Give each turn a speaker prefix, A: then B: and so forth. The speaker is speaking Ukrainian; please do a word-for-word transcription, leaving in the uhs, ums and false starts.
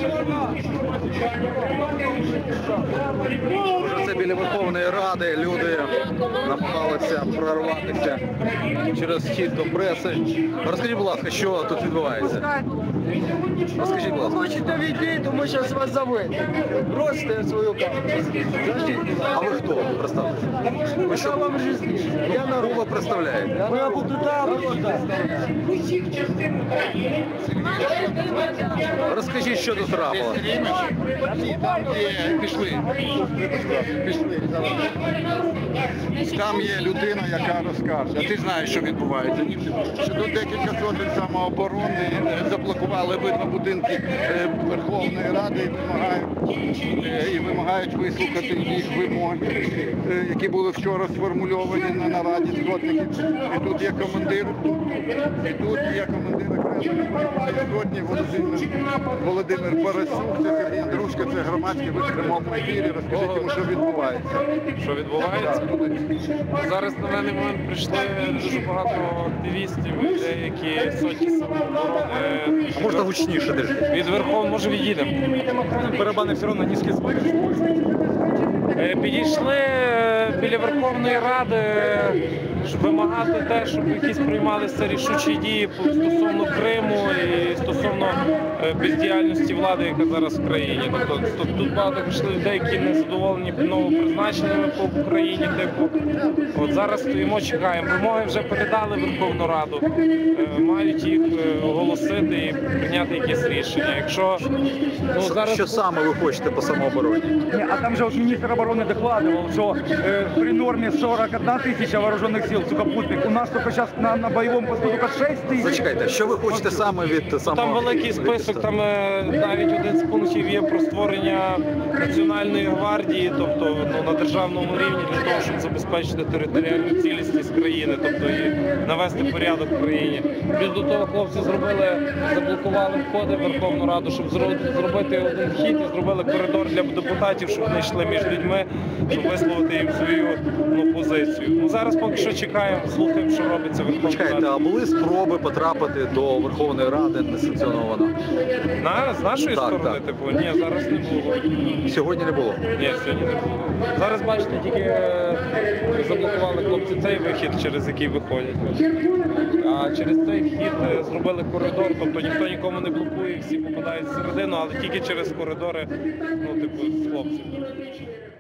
A: Вже це біля Верховної Ради люди намагалися прорватися через вхід до преси. Розкажіть, будь ласка, що тут відбувається? Розкажіть, будь ласка.
B: Хочете війти, то ми зараз вас заведемо. Бросьте свою камеру.
A: А ви хто? Представте. Ви що?
B: Вам жизнь. Я народ.
A: Кого ви представляєте?
B: Ми або туди, або туди.
A: Розкажіть, що тут трапилося.
C: Пішли. Пішли. Там є людина, яка розкаже. А ти знаєш, що відбувається. Що тут декілька сотень самооборони заблокували обидва будинки е, Верховної Ради і вимагають, е, і вимагають вислухати їх вимоги, е, які були вчора сформульовані на нараді згодників. І тут є командир, і тут є командир окремої сьогодні Володимир, Володимир Парасюк, це Сергій Андрушка, це громадський в прямому ефірі. Розкажіть йому, що відбувається.
D: Що відбувається? Зараз на даний момент прийшли дуже багато активістів, людей, які сотні самооборони.
A: А можна гучніше держи?
D: Від Верховної, може від'їдемо.
A: Барабани все одно низькі звуки.
D: Е, Підійшли е, біля Верховної Ради, щоб вимагати те, щоб якісь приймалися рішучі дії стосовно Криму і стосовно е, бездіяльності влади, яка зараз в країні. Тобто тут- тут багато прийшли людей, які не задоволені новопризначеннями по Україні. Типу, от зараз стоїмо, чекаємо. Вимоги вже передали в Верховну Раду, е, мають їх е, оголосити і прийняти якісь рішення. Якщо ну зараз
A: Що саме ви хочете по самообороні?
E: Не, а там же вот министр обороны докладывал, что э, при норме сорок одна тысяча вооруженных сил сухопутных, у нас только сейчас на, на боевом посту только шесть тысяч.
A: Зачекайте, що ви хочете саме від самого...
D: там великий список, там е, навіть один з пунктів є про створення Національної гвардії, тобто ну, на державному рівні для того, щоб забезпечити територіальну цілісність країни, тобто і навести порядок в країні. Плюс до того хлопці зробили, заблокували входи в Верховну Раду, щоб зро- зробити один вхід і зробили коридор для депутатів, щоб вони йшли між людьми, щоб висловити їм свою ну, позицію. Ну, зараз поки що чекаємо, слухаємо, що робиться в Верховній
A: Чекайте,
D: Раді.
A: а були спроби потрапити до Верховної Ради несанкціоновано?
D: На, з нашої
A: Так,
D: сторони,
A: так.
D: типу, ні, зараз не було.
A: Сьогодні не було.
D: Ні, сьогодні не було. Зараз, бачите, тільки е, заблокували хлопці цей вихід, через який виходять. А через цей вхід е, зробили коридор, тобто ніхто нікому не блокує, всі попадають всередину, але тільки через коридори, ну, типу, з хлопців.